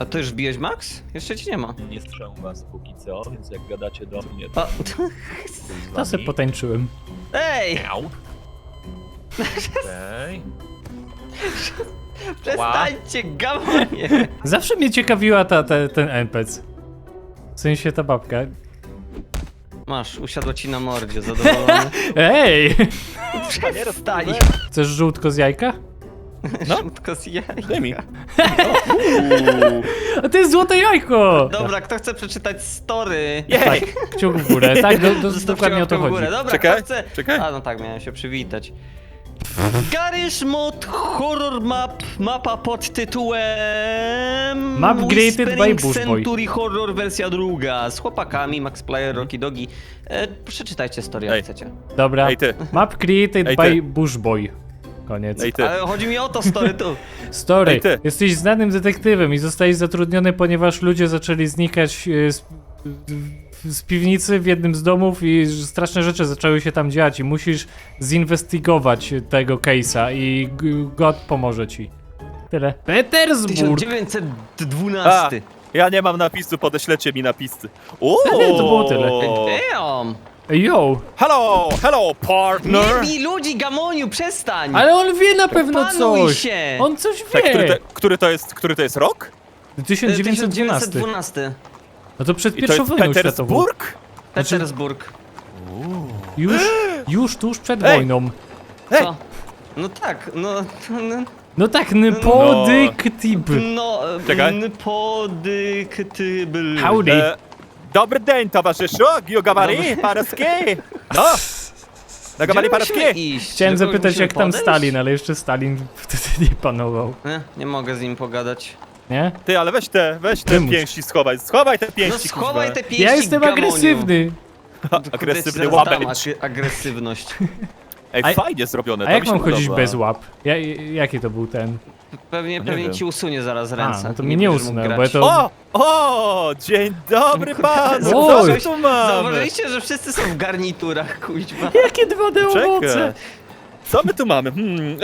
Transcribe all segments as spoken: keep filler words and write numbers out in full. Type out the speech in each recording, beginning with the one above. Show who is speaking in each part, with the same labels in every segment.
Speaker 1: A ty już wbiłeś Max? Jeszcze ci nie ma.
Speaker 2: Nie strzelam was póki co, więc jak gadacie do mnie,
Speaker 1: A,
Speaker 3: To se potańczyłem.
Speaker 1: ej!
Speaker 2: Miau. Okej.
Speaker 1: Przestańcie, gamonie!
Speaker 3: Zawsze mnie ciekawiła ta, ta, ten N P C. W sensie ta babka.
Speaker 1: Masz, usiadła ci na mordzie, zadowolony.
Speaker 3: Ej!
Speaker 1: Przestań!
Speaker 3: Chcesz żółtko z jajka?
Speaker 1: No. Szutko z jajka.
Speaker 2: Daj mi.
Speaker 3: A to jest złote jajko!
Speaker 1: Dobra, kto chce przeczytać story?
Speaker 3: Tak, kciuk w górę, tak? Do, do,
Speaker 1: Zostawcie
Speaker 3: dokładnie o to
Speaker 1: łapkę w
Speaker 3: chodzi.
Speaker 1: górę. Dobra,
Speaker 2: Czekaj,
Speaker 1: kto chce...
Speaker 2: czekaj.
Speaker 1: A, no tak, miałem się przywitać. Garry's Mod Horror Map, mapa pod tytułem...
Speaker 3: Map created by
Speaker 1: Whispering
Speaker 3: Bush Boy.
Speaker 1: Century Horror wersja druga, z chłopakami, Max Player, Rocky Dogi. E, przeczytajcie story, jak
Speaker 2: Ej.
Speaker 1: chcecie.
Speaker 3: Dobra.
Speaker 2: Ej, ty.
Speaker 3: Map created
Speaker 2: Ej,
Speaker 3: by
Speaker 2: ty.
Speaker 3: Bush Boy. Koniec.
Speaker 2: Ej ty.
Speaker 1: Ale chodzi mi o to story tu.
Speaker 3: Story.
Speaker 2: Ej, ty.
Speaker 3: Jesteś znanym detektywem i zostałeś zatrudniony, ponieważ ludzie zaczęli znikać e, z, z piwnicy w jednym z domów i straszne rzeczy zaczęły się tam dziać i musisz zinwestygować tego case'a i g- God pomoże ci. Tyle. Petersburg!
Speaker 1: tysiąc dziewięćset dwunasty.
Speaker 2: Ja nie mam napisu, podeślecie mi napisy. O!
Speaker 3: Nie, to było tyle.
Speaker 1: Damn!
Speaker 3: Yo!
Speaker 2: Hello, hello
Speaker 1: Nie
Speaker 2: partner!
Speaker 1: bij ludzi, Gamoniu, przestań!
Speaker 3: Ale on wie na pewno
Speaker 1: Opanuj
Speaker 3: coś!
Speaker 1: się!
Speaker 3: On coś
Speaker 2: Tak, który,
Speaker 3: wie!
Speaker 2: to, który, to jest, który to jest rok?
Speaker 3: tysiąc dziewięćset dwunasty.
Speaker 1: dwunasty.
Speaker 3: No to przed
Speaker 2: I to
Speaker 3: pierwszą
Speaker 2: jest
Speaker 3: wojną światową.
Speaker 2: Petersburg?
Speaker 1: Petersburg.
Speaker 3: Już, już tuż przed
Speaker 2: Ej!
Speaker 3: wojną.
Speaker 2: Ej!
Speaker 1: Co? No tak, no... no
Speaker 3: No tak, Nypodyktib.
Speaker 1: No, e,
Speaker 2: Czekaj.
Speaker 1: podyktybyl.
Speaker 3: Howdy.
Speaker 2: E, dobry dzień, towarzyszu! Giogabari, Parowski! No! Nagabari Parowski!
Speaker 1: iść?
Speaker 3: Chciałem
Speaker 1: Do kogoś
Speaker 3: zapytać
Speaker 1: musimy
Speaker 3: jak tam
Speaker 1: podejść?
Speaker 3: Stalin, ale jeszcze Stalin wtedy nie panował,
Speaker 1: Nie, nie mogę z nim pogadać.
Speaker 3: nie?
Speaker 2: Ty, ale weź te, weź te
Speaker 3: Wymuś.
Speaker 2: pięści schowaj, schowaj te
Speaker 1: No
Speaker 2: pięści,
Speaker 1: schowaj
Speaker 2: kurwa.
Speaker 1: te pięści,
Speaker 3: Ja jestem
Speaker 1: Gamoniu.
Speaker 3: agresywny.
Speaker 1: Kurde,
Speaker 2: Agresywny
Speaker 1: ci zaraz dam
Speaker 2: łapeć.
Speaker 1: ag- agresywność.
Speaker 2: Ej,
Speaker 3: A-
Speaker 2: fajnie zrobione,
Speaker 3: A
Speaker 2: to
Speaker 3: jak
Speaker 2: mi się
Speaker 3: mam chodzić
Speaker 2: podoba.
Speaker 3: bez łap? Ja, jaki to był ten?
Speaker 1: Pewnie,
Speaker 2: nie
Speaker 1: pewnie
Speaker 2: wiem.
Speaker 1: ci usunie zaraz ręce.
Speaker 3: A, no to mnie nie
Speaker 1: będziesz mógł
Speaker 3: usunęło,
Speaker 1: grać.
Speaker 3: bo ja to...
Speaker 2: O! O! Dzień dobry panu!
Speaker 3: Oj.
Speaker 2: Co my tu mamy?
Speaker 1: Zauważyliście, że wszyscy są w garniturach, kuźwa.
Speaker 3: Jakie dwa D owoce!
Speaker 2: Czekaj. Co my tu mamy? Hmm.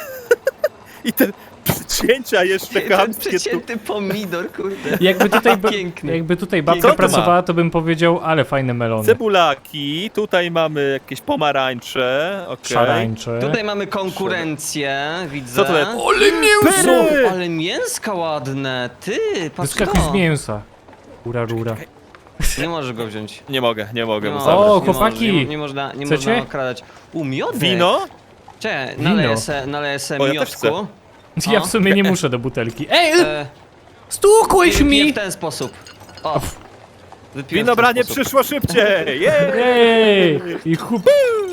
Speaker 2: I te przycięcia jeszcze
Speaker 1: Ten
Speaker 2: chamskie tu.
Speaker 1: przecięty pomidor, kurde.
Speaker 3: Jakby tutaj, ba-
Speaker 1: Piękny.
Speaker 3: jakby tutaj
Speaker 2: Co
Speaker 3: babka
Speaker 2: tu ma?
Speaker 3: pracowała, to bym powiedział, ale fajne melony.
Speaker 2: Cebulaki, tutaj mamy jakieś pomarańcze, okej.
Speaker 3: Szarańcze.
Speaker 1: Tutaj mamy konkurencję, widzę.
Speaker 2: Co to jest?
Speaker 3: Ale mięso!
Speaker 2: Pyry!
Speaker 1: Ale mięska ładne, ty, patrz
Speaker 3: Wyskakuj z
Speaker 1: to.
Speaker 3: mięsa. Rura, rura.
Speaker 1: Nie możesz go wziąć.
Speaker 2: Nie mogę, nie mogę
Speaker 1: Nie
Speaker 2: mu
Speaker 1: możesz,
Speaker 2: zabrać.
Speaker 3: O,
Speaker 1: nie
Speaker 3: chłopaki!
Speaker 1: możesz, Nie, nie można, nie
Speaker 3: Chcecie?
Speaker 1: można okradać. U, miodek.
Speaker 2: Wino?
Speaker 1: Cze,
Speaker 3: Wino.
Speaker 1: naleję se, naleję se
Speaker 2: O, ja też
Speaker 1: miodku.
Speaker 3: Ja
Speaker 1: O.
Speaker 3: w sumie nie muszę do butelki. Ej,
Speaker 1: E,
Speaker 3: stukłeś
Speaker 1: wypiję
Speaker 3: mi!
Speaker 1: w ten sposób. O. Wypiłem w ten
Speaker 2: Winobranie
Speaker 1: sposób.
Speaker 2: przyszło szybciej! Jej!
Speaker 3: Ej! I chup...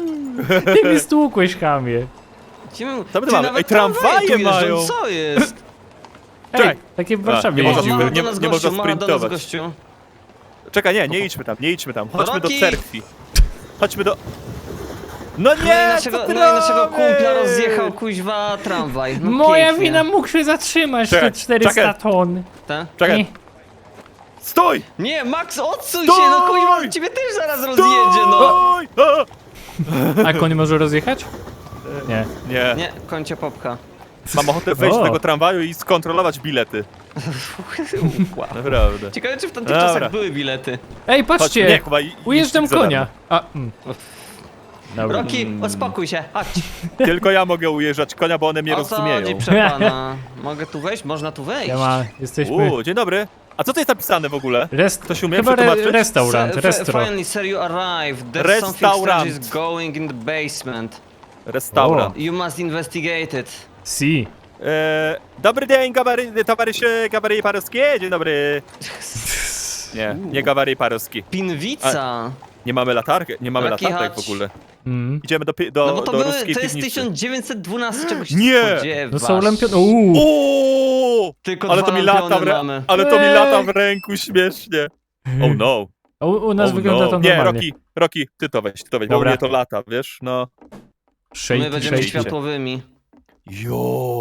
Speaker 3: Ty mi stłukłeś, chamie.
Speaker 1: Gdzie my-
Speaker 2: Co my tu
Speaker 1: Ty,
Speaker 2: mamy?
Speaker 1: nawet
Speaker 2: Ej, tramwaje
Speaker 1: tu jeżdżą,
Speaker 2: mają.
Speaker 1: Co jest?
Speaker 3: Ej,
Speaker 2: Czekaj.
Speaker 3: takie w Warszawie
Speaker 2: nie można
Speaker 3: jeździły.
Speaker 1: Mała
Speaker 2: nie-
Speaker 1: do nas
Speaker 2: nie
Speaker 1: gościu,
Speaker 2: można
Speaker 1: mała do nas
Speaker 2: sprintować.
Speaker 1: gościu.
Speaker 2: Czekaj, nie, nie idźmy tam, nie idźmy tam. Chodźmy do
Speaker 1: Rocky!
Speaker 2: cerkwi. Chodźmy do... No
Speaker 1: No i
Speaker 2: nie,
Speaker 1: naszego,
Speaker 2: co ty
Speaker 1: no i naszego
Speaker 2: robisz?
Speaker 1: kumpla rozjechał kuźwa tramwaj. No
Speaker 3: Moja
Speaker 1: pięknie.
Speaker 3: wina, mógł się zatrzymać
Speaker 2: Czekaj,
Speaker 3: te czterysta
Speaker 2: czekaj.
Speaker 3: ton.
Speaker 1: Te?
Speaker 2: Czekaj,
Speaker 3: Nie.
Speaker 2: stój!
Speaker 1: Nie, Max, odsuń
Speaker 2: Stój!
Speaker 1: się, no kuźwa, ciebie też zaraz rozjedzie, no.
Speaker 2: Stój! O!
Speaker 3: A koń może rozjechać? Nie.
Speaker 2: Nie,
Speaker 1: Nie, kończę popka.
Speaker 2: mam ochotę wejść
Speaker 3: O.
Speaker 2: do tego tramwaju i skontrolować bilety.
Speaker 1: Wow.
Speaker 2: Naprawdę.
Speaker 1: Ciekawe, czy w tamtych
Speaker 2: Dobra.
Speaker 1: czasach były bilety.
Speaker 3: Ej,
Speaker 2: Chodźmy,
Speaker 3: patrzcie!
Speaker 2: nie, chyba i-
Speaker 3: Ujeżdżam
Speaker 2: iść za
Speaker 3: konia. A, mm. Dobra.
Speaker 1: Rocky, uspokój się, chodź.
Speaker 2: Tylko ja mogę ujeżdżać konia, bo one mnie
Speaker 1: O co
Speaker 2: rozumieją.
Speaker 1: chodzi, przepana? Mogę tu wejść? Można tu wejść.
Speaker 3: Ja ma, jesteśmy...
Speaker 2: Uuu, dzień dobry. A co to jest napisane w ogóle?
Speaker 3: Rest...
Speaker 2: Ktoś umie
Speaker 3: Chyba re
Speaker 2: przetłumaczyć?
Speaker 3: restaurant,
Speaker 1: Se-
Speaker 3: restro.
Speaker 1: Finally, sir, you arrived. There's something
Speaker 2: Restaurant.
Speaker 1: strange is going in the basement.
Speaker 2: Restaurant.
Speaker 1: You must investigate it.
Speaker 3: Si.
Speaker 2: E, dobry dzień, gabary, towarzysze Gabary Parowski. Dzień dobry. Nie, nie Gabary Parowski.
Speaker 1: Pinwica.
Speaker 2: Nie mamy latarki, nie mamy
Speaker 1: Taki
Speaker 2: latarek
Speaker 1: hacz.
Speaker 2: w ogóle.
Speaker 3: Mm.
Speaker 2: Idziemy do, pi- do,
Speaker 1: No bo to,
Speaker 2: do
Speaker 1: były,
Speaker 2: ruskiej
Speaker 1: to jest
Speaker 2: piwnicy.
Speaker 1: tysiąc dziewięćset dwunasty, czegoś się
Speaker 2: Nie!
Speaker 1: spodziewasz.
Speaker 3: No są lampiony. Uuu.
Speaker 2: Uuu!
Speaker 1: Tylko
Speaker 2: Ale
Speaker 1: dwa
Speaker 2: to mi lata w,
Speaker 1: lampiony
Speaker 2: re-
Speaker 1: mamy.
Speaker 2: ale to mi
Speaker 3: Ej!
Speaker 2: lata w ręku śmiesznie. Oh no.
Speaker 3: A U, u nas
Speaker 2: Oh
Speaker 3: wygląda
Speaker 2: no.
Speaker 3: to
Speaker 2: Nie,
Speaker 3: normalnie.
Speaker 2: Rocky, Rocky, ty to weź, ty to weź, bo u
Speaker 3: Dobra.
Speaker 2: mnie to lata, wiesz, no.
Speaker 3: Shake,
Speaker 1: My będziemy
Speaker 3: shake.
Speaker 1: światłowymi.
Speaker 2: Jo.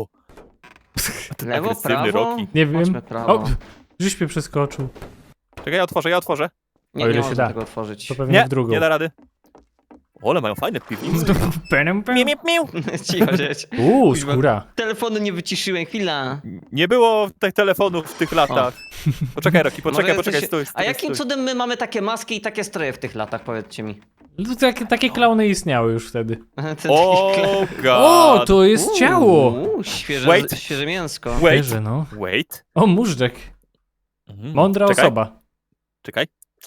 Speaker 2: Ten
Speaker 1: Lewo,
Speaker 2: agresywny
Speaker 1: prawo?
Speaker 2: Rocky.
Speaker 3: Nie wiem.
Speaker 1: Chodźmy prawo.
Speaker 3: O, żeś mnie przeskoczył.
Speaker 2: Czekaj, ja otworzę, ja otworzę.
Speaker 1: Nie,
Speaker 3: o
Speaker 1: nie
Speaker 3: ile się
Speaker 1: można
Speaker 3: da.
Speaker 1: tego otworzyć.
Speaker 3: To pewnie
Speaker 2: Nie,
Speaker 3: w drugą.
Speaker 2: nie da rady. Ole, mają fajne piwnice.
Speaker 3: Penem,
Speaker 2: Miu, miu, miu.
Speaker 1: Cicho siedź.
Speaker 3: Uuu,
Speaker 1: Kuźwa.
Speaker 3: skóra.
Speaker 1: Telefonu nie wyciszyłem, chwila.
Speaker 2: Nie było tych telefonów w tych latach. Poczekaj, Roki, poczekaj,
Speaker 1: Może
Speaker 2: poczekaj,
Speaker 1: jesteście-
Speaker 2: stój, stój,
Speaker 1: A jakim
Speaker 2: stój.
Speaker 1: cudem my mamy takie maski i takie stroje w tych latach, powiedzcie mi?
Speaker 3: No, takie, takie klauny istniały już wtedy.
Speaker 1: To
Speaker 2: O,
Speaker 1: taki kla-
Speaker 3: O,
Speaker 2: god.
Speaker 3: to jest ciało!
Speaker 1: Uuu, świeże,
Speaker 2: Wait.
Speaker 1: świeże mięsko.
Speaker 2: Wait,
Speaker 3: Wierzę, no.
Speaker 2: wait.
Speaker 3: O, móżdżek.
Speaker 2: Mhm.
Speaker 3: Mądra
Speaker 2: Czekaj,
Speaker 3: osoba.
Speaker 2: Czekaj.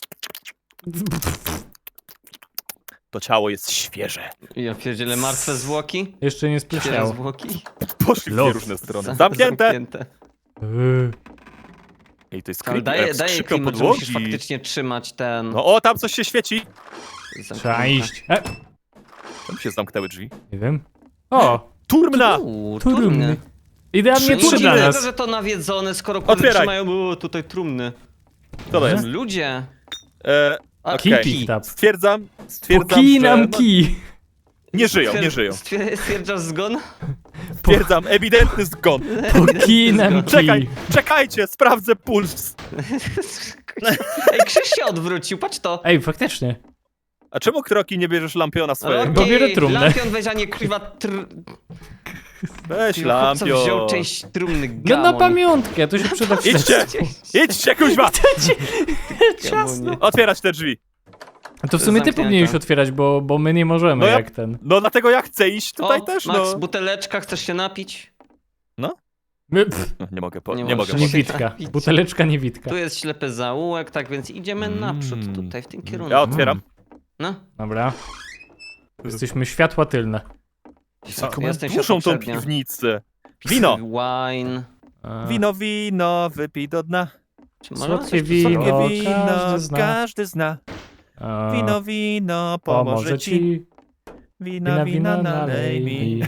Speaker 2: To ciało jest świeże.
Speaker 1: Ja pierdzielę, martwe zwłoki?
Speaker 3: Jeszcze nie
Speaker 1: Świeże
Speaker 3: spleśniało.
Speaker 1: zwłoki?
Speaker 2: Poszli w
Speaker 3: Los.
Speaker 2: dwie różne strony.
Speaker 1: Za-
Speaker 2: Zamknięte!
Speaker 1: zamknięte.
Speaker 3: Yy.
Speaker 2: Ej, to jest
Speaker 1: Ale
Speaker 2: creepy,
Speaker 1: daje,
Speaker 2: jak
Speaker 1: daje
Speaker 2: skrzypią
Speaker 1: klimat, że musisz
Speaker 2: podłogi.
Speaker 1: faktycznie trzymać ten...
Speaker 2: No o, tam coś się świeci.
Speaker 3: Trzeba
Speaker 1: zamknięte.
Speaker 3: iść. E,
Speaker 2: Tam się zamknęły drzwi.
Speaker 3: nie wiem. O,
Speaker 2: Turmna!
Speaker 1: Uuu,
Speaker 3: trumny.
Speaker 1: trumny.
Speaker 3: Idealnie
Speaker 1: Nie
Speaker 3: trzy dla
Speaker 1: dziwnego,
Speaker 3: nas.
Speaker 1: że to nawiedzone, skoro kurde
Speaker 2: Otwieraj.
Speaker 1: trzymają o, tutaj trumny.
Speaker 2: Co to jest?
Speaker 1: Ludzie.
Speaker 2: E,
Speaker 1: A,
Speaker 2: Okej.
Speaker 3: Kij
Speaker 1: kij.
Speaker 3: pick up.
Speaker 2: stwierdzam, stwierdzam,
Speaker 3: Pokij
Speaker 2: że...
Speaker 3: nam
Speaker 2: no,
Speaker 3: kij.
Speaker 2: nie żyją, nie
Speaker 1: Stwier-
Speaker 2: żyją.
Speaker 1: stwier- Stwierdzasz zgon?
Speaker 2: Stwierdzam, ewidentny zgon.
Speaker 3: Pokij nam
Speaker 2: Czekaj,
Speaker 3: kij.
Speaker 2: czekajcie, sprawdzę puls.
Speaker 1: Ej, Krzyż się odwrócił, patrz to.
Speaker 3: Ej, faktycznie.
Speaker 2: A czemu, Kroki, nie bierzesz lampiona swojego?
Speaker 3: Bo biorę trumnę.
Speaker 1: Lampion weź, a nie kurwa tr...
Speaker 2: Weź
Speaker 1: Chłopca
Speaker 2: lampion.
Speaker 1: wziął część trumny
Speaker 3: No
Speaker 1: gamon.
Speaker 3: na pamiątkę, to się przyda
Speaker 2: Idźcie! Idźcie, kuźwa!
Speaker 3: Ciasno.
Speaker 2: Otwierać te drzwi.
Speaker 3: To w sumie ty
Speaker 1: Zamknięte.
Speaker 3: powinieneś otwierać, bo, bo my nie możemy
Speaker 2: No ja-
Speaker 3: jak ten.
Speaker 2: No dlatego ja chcę iść tutaj
Speaker 1: O,
Speaker 2: też,
Speaker 1: Max,
Speaker 2: no.
Speaker 1: buteleczka, chcesz się napić?
Speaker 3: My, pff,
Speaker 2: No, Nie mogę, po,
Speaker 1: Nie
Speaker 2: nie,
Speaker 1: możesz.
Speaker 2: mogę.
Speaker 1: Nie
Speaker 2: Po...
Speaker 3: niewidka. Buteleczka niewidka.
Speaker 1: Tu jest ślepy zaułek, tak więc idziemy
Speaker 2: Mm.
Speaker 1: naprzód tutaj, w tym kierunku.
Speaker 2: Ja otwieram.
Speaker 1: No.
Speaker 3: Dobra. Jesteśmy światła tylne.
Speaker 2: Jaką
Speaker 1: Ja jestem
Speaker 2: dużą tą
Speaker 1: światłoprzednia.
Speaker 2: piwnicę. Wino!
Speaker 1: Wine.
Speaker 3: A,
Speaker 2: Wino, wino, wypij do dna.
Speaker 1: Czy można
Speaker 3: Słodkie
Speaker 1: coś tu
Speaker 3: wino.
Speaker 1: sobie-
Speaker 2: Słodkie wino,
Speaker 3: każdy zna.
Speaker 2: każdy zna.
Speaker 3: a,
Speaker 2: Wino, wino, pomoże ci. Wina, wina, nalej mi.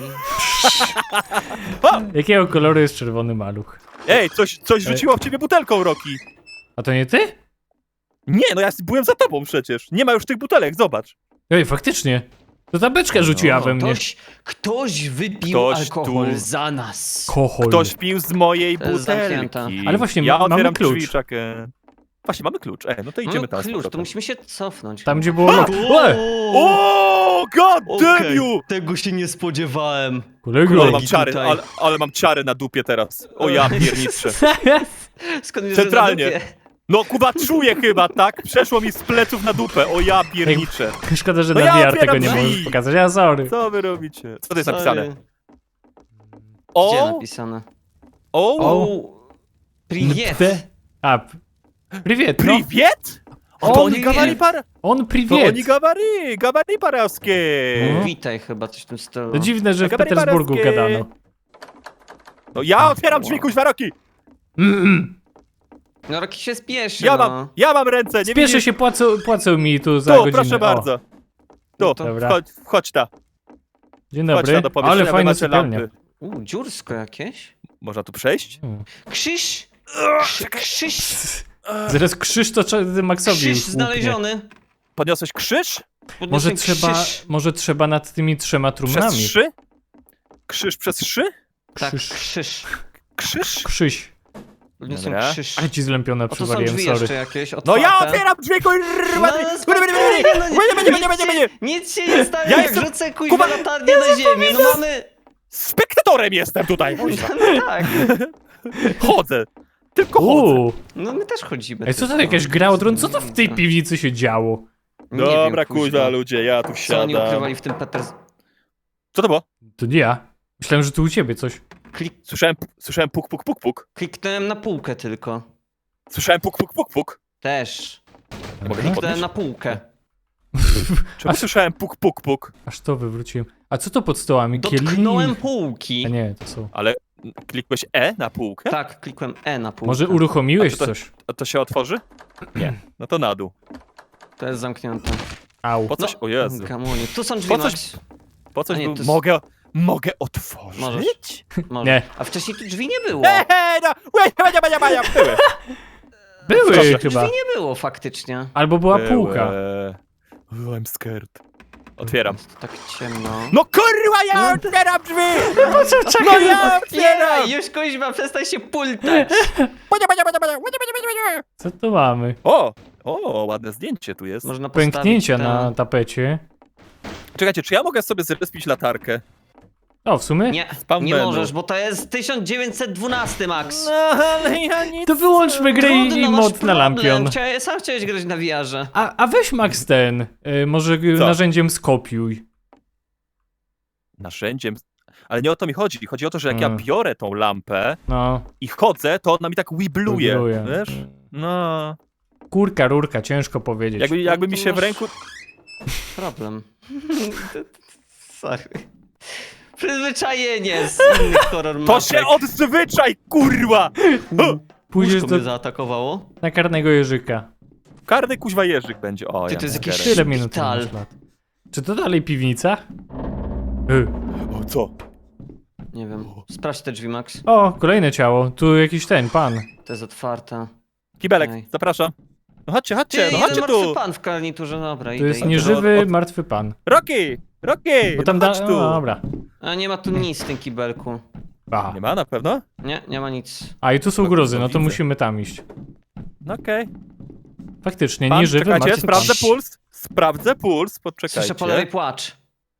Speaker 3: Jakiego koloru jest czerwony maluch?
Speaker 2: Ej, coś, coś rzuciło w ciebie butelką, Roki.
Speaker 3: A to nie ty?
Speaker 2: Nie, no ja byłem za tobą przecież. Nie ma już tych butelek, zobacz.
Speaker 3: Ej, faktycznie. To ta beczka rzuciła we mnie.
Speaker 1: Ktoś, ktoś wypił
Speaker 2: Ktoś
Speaker 1: alkohol
Speaker 2: tu-
Speaker 1: za nas.
Speaker 3: Kochol.
Speaker 2: Ktoś pił z mojej
Speaker 1: To jest zamknięte.
Speaker 2: butelki.
Speaker 3: Ale właśnie,
Speaker 2: ja
Speaker 3: ma- mamy
Speaker 2: otwieram
Speaker 3: klucz.
Speaker 2: drzwi, czekaj. Właśnie, mamy klucz. Ej, no to idziemy
Speaker 1: Mamy
Speaker 2: tam z
Speaker 1: klucz, to
Speaker 2: powrotem.
Speaker 1: musimy się cofnąć.
Speaker 3: Tam gdzie było... Łe!
Speaker 2: O, god damn
Speaker 1: Okej,
Speaker 2: you!
Speaker 1: tego się nie spodziewałem.
Speaker 3: Kolego.
Speaker 2: Ale mam ciary,
Speaker 1: tutaj.
Speaker 2: ale, ale mam ciary na dupie teraz. O ja pierniczę.
Speaker 1: Skąd wiesz,
Speaker 2: Centralnie.
Speaker 1: że na dupie?
Speaker 2: No Kuba, czuję chyba, tak? Przeszło mi z pleców na dupę. O ja pierniczę.
Speaker 3: Szkoda, że
Speaker 2: No
Speaker 3: na
Speaker 2: ja
Speaker 3: V R
Speaker 2: otwieram
Speaker 3: tego nie
Speaker 2: drzwi.
Speaker 3: możesz pokazać. Ja sorry.
Speaker 2: Co wy robicie? Co to jest
Speaker 1: Sorry.
Speaker 2: napisane?
Speaker 1: Gdzie
Speaker 2: O,
Speaker 1: napisane?
Speaker 2: o,
Speaker 1: O, privet.
Speaker 3: P- A, p- Privet, no.
Speaker 2: priwiet? O,
Speaker 3: O,
Speaker 2: to oni
Speaker 1: nie.
Speaker 2: gawari par...
Speaker 3: On
Speaker 2: To
Speaker 3: privet.
Speaker 2: oni gawari, gawari parowskie.
Speaker 3: No.
Speaker 1: Witaj chyba, coś w tym stylu.
Speaker 3: To dziwne, że w
Speaker 2: Gabary
Speaker 3: Petersburgu
Speaker 2: parowskie.
Speaker 3: gadano.
Speaker 2: No ja otwieram drzwi, kuźwa, Roki.
Speaker 3: Mm-mm.
Speaker 1: No Roki się spieszy,
Speaker 2: Ja
Speaker 1: no.
Speaker 2: mam, ja mam ręce, nie
Speaker 3: Spieszę
Speaker 2: widzisz?
Speaker 3: się, płacą, płacą mi tu za
Speaker 2: Tu,
Speaker 3: godzinę.
Speaker 2: proszę
Speaker 3: O,
Speaker 2: bardzo. Tu,
Speaker 1: No to-
Speaker 3: Dobra.
Speaker 2: wchodź, wchodź ta.
Speaker 3: dzień
Speaker 2: Chodź
Speaker 3: dobry.
Speaker 2: ta do pomieszczenia,
Speaker 3: Ale
Speaker 2: wy
Speaker 3: fajne
Speaker 2: macie
Speaker 3: sypialnia.
Speaker 2: lampy.
Speaker 1: U, dziursko jakieś?
Speaker 2: Można tu przejść?
Speaker 3: Hmm.
Speaker 1: Krzyż! Krzy- Krzyż!
Speaker 3: Zaraz krzyż to trzeba Maxowi
Speaker 1: Krzyż
Speaker 3: łupnie.
Speaker 1: znaleziony!
Speaker 2: Podniosłeś krzyż?
Speaker 3: Może
Speaker 1: Podniosłem
Speaker 3: trzeba,
Speaker 1: krzyż.
Speaker 3: może trzeba nad tymi trzema
Speaker 2: Przez
Speaker 3: trumnami.
Speaker 2: trzy? Krzyż przez trzy?
Speaker 1: Tak,
Speaker 3: Krzyż.
Speaker 1: krzyż.
Speaker 2: Krzyż?
Speaker 3: Krzyś.
Speaker 1: Podniosłem
Speaker 2: Dobra.
Speaker 1: krzyż.
Speaker 3: Ale ci zlępione
Speaker 1: O, tu są
Speaker 3: przywaliłem,
Speaker 1: drzwi
Speaker 3: sorry.
Speaker 1: jeszcze jakieś,
Speaker 2: No
Speaker 1: otwarte.
Speaker 2: ja otwieram drzwi, kurwa!
Speaker 1: No, spokojnie, no nie-
Speaker 2: Nie będzie, nie będzie, nie będzie!
Speaker 1: Nic się nie stanie,
Speaker 2: Ja
Speaker 1: jak
Speaker 2: jestem-
Speaker 1: rzucę kuźwa
Speaker 2: Kuba,
Speaker 1: latarnię na ziemię, no mamy...
Speaker 2: Spektatorem jestem tutaj, kuźwa.
Speaker 1: No tak,
Speaker 2: Chodzę. Tylko chodzę.
Speaker 3: Uuu.
Speaker 1: no my też chodzimy.
Speaker 3: Ej, co to
Speaker 1: tylko.
Speaker 3: jakaś gra o tron? Co to w tej piwnicy się działo?
Speaker 1: Nie
Speaker 2: Dobra,
Speaker 1: wiem,
Speaker 2: kuźwa, ludzie, ja tu
Speaker 1: Co oni
Speaker 2: siadam.
Speaker 1: ukrywali w tym Peters...
Speaker 2: Co to było?
Speaker 3: To nie ja. Myślałem, że tu u ciebie coś.
Speaker 1: Klik...
Speaker 2: Słyszałem, słyszałem puk, puk, puk, puk.
Speaker 1: Kliknąłem na półkę tylko.
Speaker 2: Słyszałem puk, puk, puk, puk.
Speaker 1: Też.
Speaker 2: Mogę to
Speaker 1: Kliknąłem
Speaker 2: podnieść?
Speaker 1: na półkę.
Speaker 2: Czemu słyszałem puk, puk, puk?
Speaker 3: Aż to wywróciłem. A co to pod stołami?
Speaker 1: Dotknąłem
Speaker 3: Kielich?
Speaker 1: półki.
Speaker 3: A nie, to są.
Speaker 2: Ale klikłeś E na półkę?
Speaker 1: Tak, klikłem E na półkę.
Speaker 3: Może uruchomiłeś
Speaker 2: A to-
Speaker 3: coś?
Speaker 2: A to się otworzy? Nie. No to na dół.
Speaker 1: To jest zamknięte.
Speaker 3: Au.
Speaker 2: Po coś? O Jezu.
Speaker 1: Gamonie. Tu są drzwi,
Speaker 2: Po coś-
Speaker 1: Max.
Speaker 2: Po coś
Speaker 1: A nie,
Speaker 2: był...
Speaker 1: to jest-
Speaker 2: Mogę... Mogę otworzyć?
Speaker 1: Możesz. Może.
Speaker 3: Nie.
Speaker 1: A wcześniej tu drzwi nie było.
Speaker 2: Eee, no! Łe, bania, bania, bania, były.
Speaker 3: Były
Speaker 2: Proszę.
Speaker 3: chyba.
Speaker 1: Drzwi nie było faktycznie.
Speaker 3: Albo była półka.
Speaker 2: Były. Oh, I'm scared. Otwieram.
Speaker 1: Jest tak ciemno.
Speaker 2: No kurwa, ja otwieram drzwi!
Speaker 3: Po co
Speaker 2: No ja otwieram!
Speaker 1: Otwieraj! Już kuźma, przestań się pultać!
Speaker 2: Bania, bania, bania, bania, bania, bania, bania.
Speaker 3: Co tu mamy?
Speaker 2: O! O, ładne zdjęcie tu jest.
Speaker 1: Można postawić
Speaker 3: Pęknięcia
Speaker 1: te-
Speaker 3: na tapecie.
Speaker 2: Czekajcie, czy ja mogę sobie zrespić latarkę?
Speaker 3: O, w sumie?
Speaker 1: Nie,
Speaker 2: Spam
Speaker 1: nie
Speaker 2: menu.
Speaker 1: możesz, bo to jest tysiąc dziewięćset dwanaście, Max.
Speaker 2: No, ale ja nic...
Speaker 3: To wyłączmy grę i
Speaker 1: Trudno, masz
Speaker 3: mod na
Speaker 1: problem.
Speaker 3: lampion.
Speaker 1: Chciałem, sam chciałeś grać na V R-ze.
Speaker 3: A, a weź Max ten, y, może y,
Speaker 2: Co?
Speaker 3: narzędziem skopiuj.
Speaker 2: Narzędziem... Ale nie o to mi chodzi. Chodzi o to, że jak
Speaker 3: Mm.
Speaker 2: ja biorę tą lampę
Speaker 3: No,
Speaker 2: i chodzę, to ona mi tak wibluje,
Speaker 3: wibruje.
Speaker 2: wiesz? No...
Speaker 3: Kurka, rurka, ciężko powiedzieć.
Speaker 2: Jakby, jakby
Speaker 1: No
Speaker 2: mi
Speaker 1: to
Speaker 2: się w
Speaker 1: masz-
Speaker 2: ręku...
Speaker 1: Problem. Sorry. Przyzwyczajenie z innych horror
Speaker 2: To
Speaker 1: mapek.
Speaker 2: się odzwyczaj, kurwa!
Speaker 3: Pójdziesz
Speaker 1: Łóżko
Speaker 3: do,
Speaker 1: mnie zaatakowało.
Speaker 3: na karnego jeżyka.
Speaker 2: Karny kuźwa jeżyk będzie. O,
Speaker 1: Ty,
Speaker 2: ja
Speaker 1: to jest
Speaker 2: mam
Speaker 1: jakiś
Speaker 2: garę.
Speaker 3: Tyle minut
Speaker 1: Szpital.
Speaker 3: masz lat. Czy to dalej piwnica? Y.
Speaker 2: O, co?
Speaker 1: Nie wiem. Sprawdź te drzwi, Max.
Speaker 3: O, kolejne ciało. Tu jakiś ten, pan.
Speaker 1: To jest otwarte.
Speaker 2: Kibelek,
Speaker 1: Ej.
Speaker 2: zapraszam. No chodźcie,
Speaker 1: Ty,
Speaker 2: chodźcie, no
Speaker 1: jeden
Speaker 2: chodźcie
Speaker 1: martwy
Speaker 2: tu!
Speaker 1: pan w garniturze, dobra,
Speaker 3: To
Speaker 1: idę,
Speaker 3: jest
Speaker 1: idę.
Speaker 3: nieżywy,
Speaker 2: Od- od-
Speaker 3: martwy pan.
Speaker 2: Rocky! Rocky!
Speaker 3: Bo tam
Speaker 2: no
Speaker 3: da...
Speaker 2: chodź
Speaker 3: O,
Speaker 2: tu!
Speaker 3: dobra.
Speaker 1: A nie ma tu nic w tym kibelku.
Speaker 3: A.
Speaker 2: Nie ma na pewno?
Speaker 1: Nie, nie ma nic.
Speaker 3: A i tu są
Speaker 2: No to
Speaker 3: gruzy, no to
Speaker 2: widzę.
Speaker 3: musimy tam iść.
Speaker 2: No okej.
Speaker 3: Faktycznie,
Speaker 2: Pan,
Speaker 3: nieżywy,
Speaker 2: czekajcie,
Speaker 3: martwy pan.
Speaker 2: sprawdzę puls. Sprawdzę puls, poczekajcie.
Speaker 1: Słyszę po lewej płacz.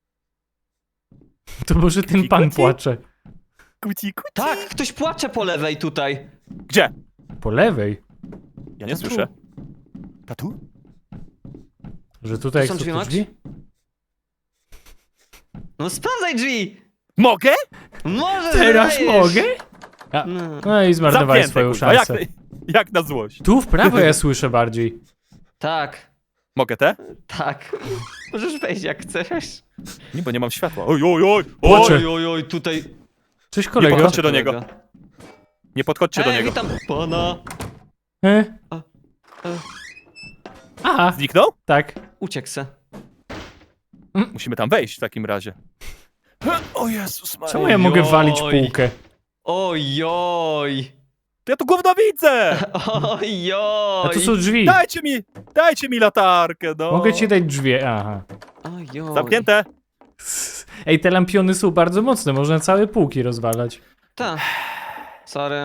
Speaker 3: To może ten
Speaker 2: Kuci,
Speaker 3: pan
Speaker 2: kuci?
Speaker 3: płacze.
Speaker 2: Kuci, kuci.
Speaker 1: Tak, ktoś płacze po lewej tutaj.
Speaker 2: Gdzie?
Speaker 3: Po lewej?
Speaker 2: Ja nie
Speaker 1: Tu.
Speaker 2: słyszę. A tu?
Speaker 3: Że tutaj
Speaker 1: Tu są
Speaker 3: jak są
Speaker 1: drzwi,
Speaker 3: te
Speaker 1: Max?
Speaker 3: drzwi?
Speaker 1: No sprawdzaj drzwi!
Speaker 2: Mogę?
Speaker 1: Może
Speaker 3: Teraz
Speaker 1: zdajesz.
Speaker 3: mogę? A,
Speaker 1: No.
Speaker 3: no i zmarnowałeś
Speaker 2: Zamknięte,
Speaker 3: swoją
Speaker 2: kurwa, jak,
Speaker 3: szansę.
Speaker 2: jak na złość.
Speaker 3: Tu w prawo ja słyszę bardziej.
Speaker 1: Tak,
Speaker 2: Mogę te?
Speaker 1: tak. Możesz wejść jak chcesz.
Speaker 2: Nie, bo nie mam światła. Oj, oj, oj!
Speaker 3: Płaczę.
Speaker 2: oj.
Speaker 1: Oj, oj, oj, tutaj...
Speaker 3: Cześć kolego.
Speaker 2: podchodźcie do niego. Nie podchodźcie do
Speaker 1: Ej,
Speaker 2: niego.
Speaker 1: witam pana.
Speaker 3: E?
Speaker 1: A, e.
Speaker 3: Aha,
Speaker 2: Zniknął?
Speaker 3: tak.
Speaker 1: Uciekł se.
Speaker 2: Musimy tam wejść w takim razie. O Jezus Maria.
Speaker 3: Czemu ja mogę walić
Speaker 1: Oj.
Speaker 3: półkę?
Speaker 1: Ojoj.
Speaker 2: To ja tu gówno widzę!
Speaker 1: Ojoj.
Speaker 3: A tu są drzwi.
Speaker 2: Dajcie mi, dajcie mi latarkę, no.
Speaker 3: Mogę ci dać drzwi, aha.
Speaker 1: Ojoj.
Speaker 2: Zamknięte.
Speaker 3: Ej, te lampiony są bardzo mocne, można całe półki rozwalać.
Speaker 1: Ta. Sorry.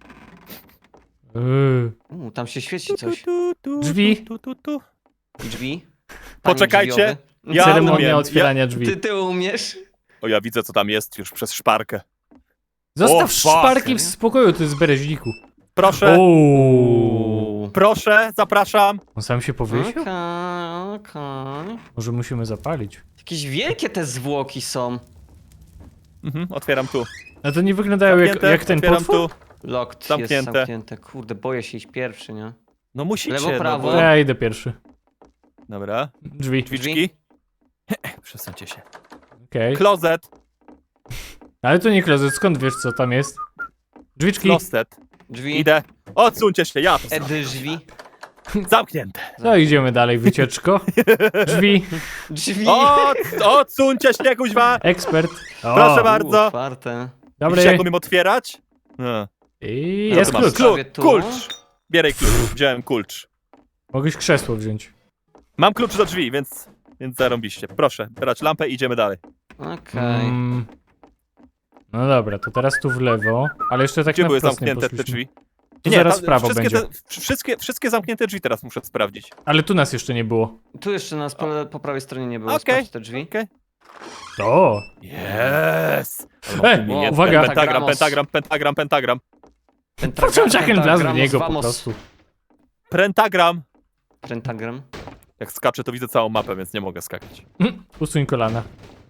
Speaker 3: Yy.
Speaker 1: U, tam się świeci coś.
Speaker 2: Tu, tu,
Speaker 3: Drzwi.
Speaker 2: Tu, tu, tu.
Speaker 1: Drzwi. Panie
Speaker 2: Poczekajcie.
Speaker 1: drzwiowy.
Speaker 2: Ja
Speaker 3: Ceremonia
Speaker 2: umiem.
Speaker 3: otwierania drzwi.
Speaker 1: Ty, ty umiesz?
Speaker 2: O, ja widzę, co tam jest już przez szparkę.
Speaker 3: Zostaw
Speaker 2: O, fuck.
Speaker 3: szparki w spokoju, to jest bereźniku.
Speaker 2: Proszę,
Speaker 3: Ooo.
Speaker 2: proszę, zapraszam.
Speaker 3: On sam się powiesił?
Speaker 1: Okej, okej.
Speaker 3: Może musimy zapalić.
Speaker 1: Jakieś wielkie te zwłoki są.
Speaker 2: Mhm, otwieram tu.
Speaker 3: A to nie wyglądają jak,
Speaker 2: Zamknięte,
Speaker 3: jak ten
Speaker 2: otwieram
Speaker 3: potwór?
Speaker 2: tu.
Speaker 1: Locked
Speaker 2: Zamknięte.
Speaker 1: jest zamknięte. Kurde, boję się iść pierwszy, nie?
Speaker 2: No musicie,
Speaker 1: Lewo,
Speaker 2: no
Speaker 1: prawo.
Speaker 2: bo...
Speaker 3: Ja idę pierwszy.
Speaker 2: Dobra,
Speaker 3: Drzwi.
Speaker 2: drzwiczki. Przesuńcie się.
Speaker 3: Okej.
Speaker 2: Klozet,
Speaker 3: Ale to nie klozet, skąd wiesz co tam jest? Drzwiczki.
Speaker 2: klostet.
Speaker 1: Drzwi.
Speaker 2: Idę. Odsuńcie się, ja to
Speaker 1: E,
Speaker 2: zrobię.
Speaker 1: drzwi.
Speaker 2: Zamknięte.
Speaker 3: No idziemy dalej, wycieczko. Drzwi.
Speaker 1: Drzwi.
Speaker 2: Od, odsuńcie się, kuźwa.
Speaker 3: Ekspert. O,
Speaker 2: Proszę bardzo.
Speaker 1: Otwarte.
Speaker 2: Widzicie,
Speaker 3: Dobry.
Speaker 2: jak umiem otwierać? No.
Speaker 3: I
Speaker 1: No
Speaker 3: jest
Speaker 1: to
Speaker 3: klucz.
Speaker 1: masz. Prawie tu.
Speaker 2: Kulcz. Bieraj klucz. Wziąłem kulcz.
Speaker 3: Mogłeś krzesło wziąć.
Speaker 2: Mam klucz do drzwi, więc, więc zarąbiście. Proszę, brać lampę i idziemy dalej.
Speaker 1: Okej.
Speaker 3: Mm. No dobra, to teraz tu w lewo, ale jeszcze tak
Speaker 2: Gdzie
Speaker 3: na
Speaker 2: były
Speaker 3: wprost nie
Speaker 2: zamknięte te
Speaker 3: poszliśmy.
Speaker 2: drzwi?
Speaker 3: Tu zaraz w prawo
Speaker 2: wszystkie,
Speaker 3: będzie.
Speaker 2: te, wszystkie, wszystkie zamknięte drzwi teraz muszę sprawdzić.
Speaker 3: Ale tu nas jeszcze nie było.
Speaker 1: Tu jeszcze nas po, po prawej stronie nie było.
Speaker 2: Okej.
Speaker 1: Sprawdź te drzwi.
Speaker 2: Okej.
Speaker 3: O!
Speaker 2: Yes!
Speaker 3: Ej,
Speaker 1: O,
Speaker 3: uwaga!
Speaker 2: Pentagram, pentagram, pentagram, pentagram.
Speaker 1: Pentagram,
Speaker 3: Pociąg Jacken wlazł w
Speaker 1: pentagramos,
Speaker 3: niego po
Speaker 1: vamos.
Speaker 3: prostu.
Speaker 2: Pentagram.
Speaker 1: Pentagram.
Speaker 2: Jak skaczę, to widzę całą mapę, więc nie mogę skakać.
Speaker 3: Mm, Usuń kolana.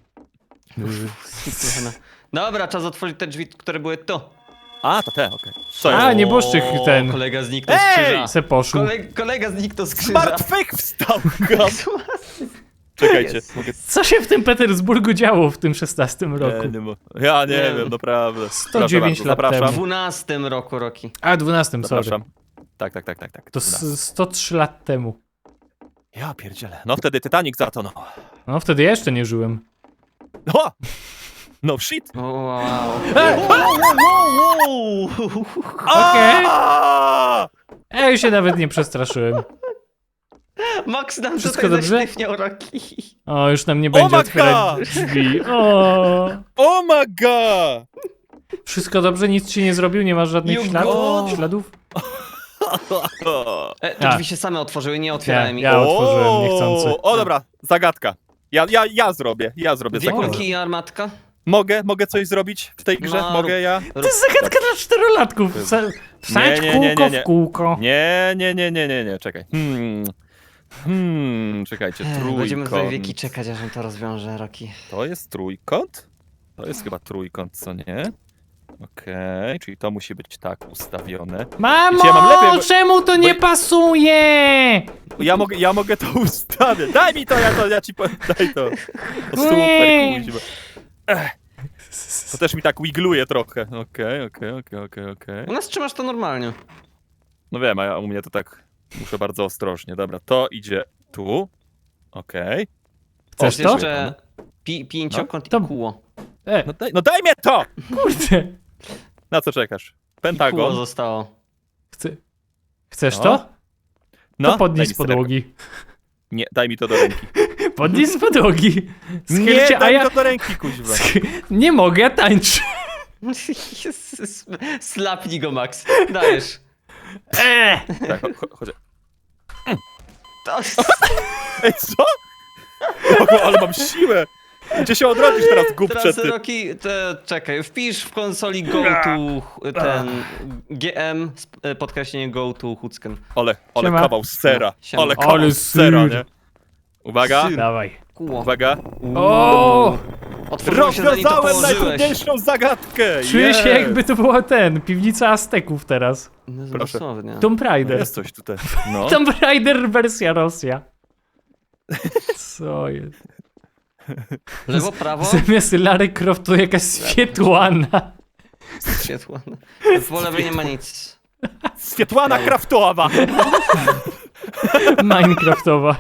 Speaker 1: Dobra, czas otworzyć te drzwi, które były tu.
Speaker 2: A, to te, okej. Co
Speaker 3: A,
Speaker 2: jest?
Speaker 3: nie bożczyk
Speaker 1: O,
Speaker 3: ten.
Speaker 1: Kolega zniknął z
Speaker 2: Ej!
Speaker 1: krzyża.
Speaker 3: Se poszł.
Speaker 1: Koleg, kolega zniknął z
Speaker 2: Z
Speaker 1: krzyża.
Speaker 2: martwych wstał! Czekajcie,
Speaker 1: Jest.
Speaker 2: mogę...
Speaker 3: Co się w tym Petersburgu działo w tym szesnastym roku?
Speaker 2: Nie, nie, mo- ja nie,
Speaker 1: Nie.
Speaker 2: wiem, naprawdę.
Speaker 3: sto dziewięć
Speaker 2: Proszę
Speaker 3: lat
Speaker 2: bardzo,
Speaker 1: W
Speaker 3: temu.
Speaker 2: zapraszam.
Speaker 1: dwunastym roku, Roki.
Speaker 3: A, dwunastym, sorry.
Speaker 2: Zapraszam. Tak, tak, tak, tak, tak.
Speaker 3: To
Speaker 2: dwunasty.
Speaker 3: s- sto trzy lat temu.
Speaker 2: Ja pierdzielę. No wtedy Titanic zatonął.
Speaker 3: No wtedy ja jeszcze nie żyłem.
Speaker 2: O! No shit!
Speaker 1: O, wow.
Speaker 3: Okej.
Speaker 2: Aaaa!
Speaker 3: Ja już się nawet nie przestraszyłem.
Speaker 1: Max nam
Speaker 3: Wszystko
Speaker 1: tutaj
Speaker 3: dobrze?
Speaker 1: zaśliwniał Roki.
Speaker 3: O, już nam nie będzie
Speaker 2: my
Speaker 3: otwierać
Speaker 2: God!
Speaker 3: drzwi. O.
Speaker 2: Oh my god!
Speaker 3: Wszystko dobrze? Nic ci nie zrobił? Nie masz żadnych
Speaker 1: You
Speaker 3: śladów?
Speaker 1: go.
Speaker 3: śladów?
Speaker 1: E, te
Speaker 3: A.
Speaker 1: drzwi się same otworzyły, nie otwierałem
Speaker 3: Nie,
Speaker 1: ich.
Speaker 3: ja otworzyłem niechcący.
Speaker 2: O, dobra, zagadka. Ja, ja, ja zrobię, ja zrobię
Speaker 1: Dwie
Speaker 2: zakręt.
Speaker 1: kulki i armatka?
Speaker 2: Mogę, mogę coś zrobić w tej grze?
Speaker 1: No,
Speaker 2: Mogę
Speaker 1: rób-
Speaker 2: ja?
Speaker 3: To jest zagadka dla czterolatków. Wsa- Wsadź
Speaker 2: Nie, nie, nie,
Speaker 3: kółko
Speaker 2: nie, nie.
Speaker 3: w kółko.
Speaker 2: Nie, nie, nie, nie, nie, nie, czekaj. Hmm. Hmm, czekajcie,
Speaker 1: Ech,
Speaker 2: trójkąt.
Speaker 1: Będziemy tutaj wieki czekać, aż on to rozwiąże, Roki.
Speaker 2: To jest trójkąt? To jest chyba trójkąt, co nie? Okej, czyli to musi być tak ustawione.
Speaker 3: Mamo,
Speaker 2: Wiecie, ja mam lepiej, bo-
Speaker 3: czemu to nie pasuje?
Speaker 2: Ja mogę, ja mogę to ustawić. Daj mi to, ja to, ja ci powiem, daj to. To super,
Speaker 3: Nie.
Speaker 2: kuźwa. Ech. To też mi tak wigluje trochę. Okej, okej, okej, okej, okej.
Speaker 1: U nas trzymasz to normalnie.
Speaker 2: No wiem, a ja, u mnie to tak muszę bardzo ostrożnie. Dobra, to idzie tu. Okej.
Speaker 3: Chcesz
Speaker 1: Jest
Speaker 3: to?
Speaker 1: jeszcze pi pięciokąt
Speaker 3: To-
Speaker 1: i kóło.
Speaker 3: E,
Speaker 2: No daj, no daj mnie to!
Speaker 3: kurde.
Speaker 2: Na co czekasz?
Speaker 1: I kóło
Speaker 2: Pentagon.
Speaker 1: zostało.
Speaker 3: Chce... Chcesz
Speaker 2: No.
Speaker 3: to?
Speaker 2: No,
Speaker 3: To podnieś
Speaker 2: daj
Speaker 3: z
Speaker 2: mi srebrko.
Speaker 3: podłogi.
Speaker 2: Nie, daj mi to do ręki.
Speaker 3: Podnieś z podłogi.
Speaker 2: Nie,
Speaker 3: Schylcie, a
Speaker 2: daj
Speaker 3: ja...
Speaker 2: mi to do ręki, kuźwa.
Speaker 3: Sch- Nie mogę, ja tańczę.
Speaker 1: Jezus, slapnij go, Max. Dajesz.
Speaker 3: Eee.
Speaker 2: Tak, cho- cho- chodź.
Speaker 1: To...
Speaker 2: Ej, co? O, ale mam siłę! Gdzie się odrodzisz teraz, głupcze
Speaker 1: Teraz,
Speaker 2: ty?
Speaker 1: Roki, te, czekaj, wpisz w konsoli go to ten G M, sp- e, podkreślenie go to Hucken.
Speaker 2: Ale, ale
Speaker 3: Siema.
Speaker 2: kawał sera.
Speaker 1: Siema.
Speaker 2: Ale kawał
Speaker 3: Ale
Speaker 2: sera,
Speaker 3: syr.
Speaker 2: nie? Uwaga,
Speaker 1: Syr.
Speaker 3: Dawaj.
Speaker 1: Kóło.
Speaker 2: uwaga.
Speaker 3: O!
Speaker 1: Otworzyło się, zanim to
Speaker 2: Rozwiązałem
Speaker 1: położyłeś.
Speaker 2: najtrudniejszą zagadkę!
Speaker 3: Czuję się
Speaker 2: Jest.
Speaker 3: jakby to była ten, piwnica Azteków teraz.
Speaker 1: No,
Speaker 2: Proszę.
Speaker 1: dosłownie.
Speaker 3: Tomb Raider.
Speaker 2: Jest coś tutaj. No.
Speaker 3: Tomb Raider wersja Rosja. Co jest?
Speaker 1: Lewo, prawo,
Speaker 3: Zamiast Lara Croft to jakaś Świetłana.
Speaker 1: światło. Po lewej nie ma nic.
Speaker 2: Świetłana Kraftowa!
Speaker 3: Minecraftowa.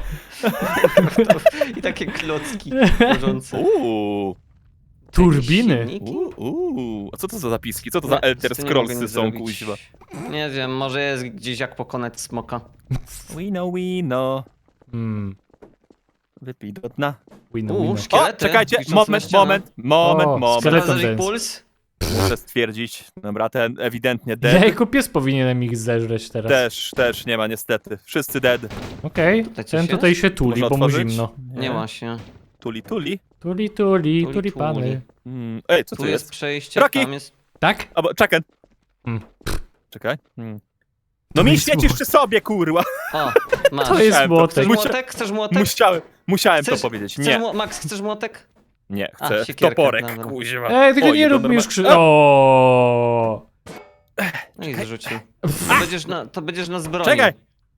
Speaker 1: I takie klocki leżące.
Speaker 2: Uuu,
Speaker 3: Turbiny.
Speaker 1: Silniki?
Speaker 2: uuu. A co to za zapiski? Co to za
Speaker 1: Nie,
Speaker 2: Elder
Speaker 1: z tym nie mogę
Speaker 2: Scrollsy
Speaker 1: nic
Speaker 2: są,
Speaker 1: zrobić.
Speaker 2: kuźwa?
Speaker 1: Nie wiem, może jest gdzieś jak pokonać smoka.
Speaker 2: We know, we know.
Speaker 3: Hmm.
Speaker 2: Wypij do dna.
Speaker 3: Wino,
Speaker 1: Uuu,
Speaker 3: wino.
Speaker 2: O,
Speaker 1: szkielety.
Speaker 2: czekajcie,
Speaker 1: wiszące na
Speaker 2: moment,
Speaker 1: ścianach.
Speaker 2: moment, moment,
Speaker 3: O,
Speaker 2: moment.
Speaker 3: skeleton
Speaker 1: Sprawdzasz ich
Speaker 3: dance.
Speaker 1: puls?
Speaker 2: Muszę stwierdzić, dobra, ten ewidentnie
Speaker 3: Ja
Speaker 2: dead.
Speaker 3: jako pies powinienem ich zeżreć teraz.
Speaker 2: Też, też nie ma niestety. Wszyscy dead.
Speaker 3: Okej,
Speaker 1: Tutaj coś
Speaker 3: ten
Speaker 1: jest?
Speaker 3: tutaj się tuli,
Speaker 2: Można
Speaker 3: bo mu
Speaker 2: otworzyć?
Speaker 3: zimno.
Speaker 1: Nie ma się.
Speaker 2: Tuli, tuli.
Speaker 3: Tuli, tuli,
Speaker 1: Tuli,
Speaker 3: tuli pany.
Speaker 1: tuli.
Speaker 2: Mm. Ej, co
Speaker 1: Tu
Speaker 2: to
Speaker 1: jest
Speaker 2: jest?
Speaker 1: przejście,
Speaker 2: Rocky!
Speaker 1: tam jest...
Speaker 3: Tak?
Speaker 2: Albo, czekaj.
Speaker 3: Hmm.
Speaker 2: Czekaj. Hmm. No mi
Speaker 3: jest
Speaker 2: świecisz
Speaker 3: młot.
Speaker 2: przy sobie, kurwa.
Speaker 1: O, masz.
Speaker 3: To jest
Speaker 2: Musiałem to
Speaker 3: młotek.
Speaker 1: Chcesz
Speaker 2: Musia-
Speaker 1: młotek? Chcesz młotek?
Speaker 2: Musiałem, musiałem
Speaker 1: Chcesz-
Speaker 2: to powiedzieć.
Speaker 1: Chcesz
Speaker 2: Nie,
Speaker 1: mło- Max, chcesz młotek?
Speaker 2: nie,
Speaker 1: A,
Speaker 2: chcę
Speaker 1: siekierkę,
Speaker 2: toporek,
Speaker 1: dobra.
Speaker 2: kuźwa.
Speaker 3: Ej, tylko
Speaker 2: Oj,
Speaker 3: nie
Speaker 2: to
Speaker 3: rób mi już
Speaker 2: norma-
Speaker 3: krzy...
Speaker 2: A!
Speaker 3: O.
Speaker 1: No i zrzucił. To będziesz na, to będziesz na zbroi.
Speaker 2: Czekaj!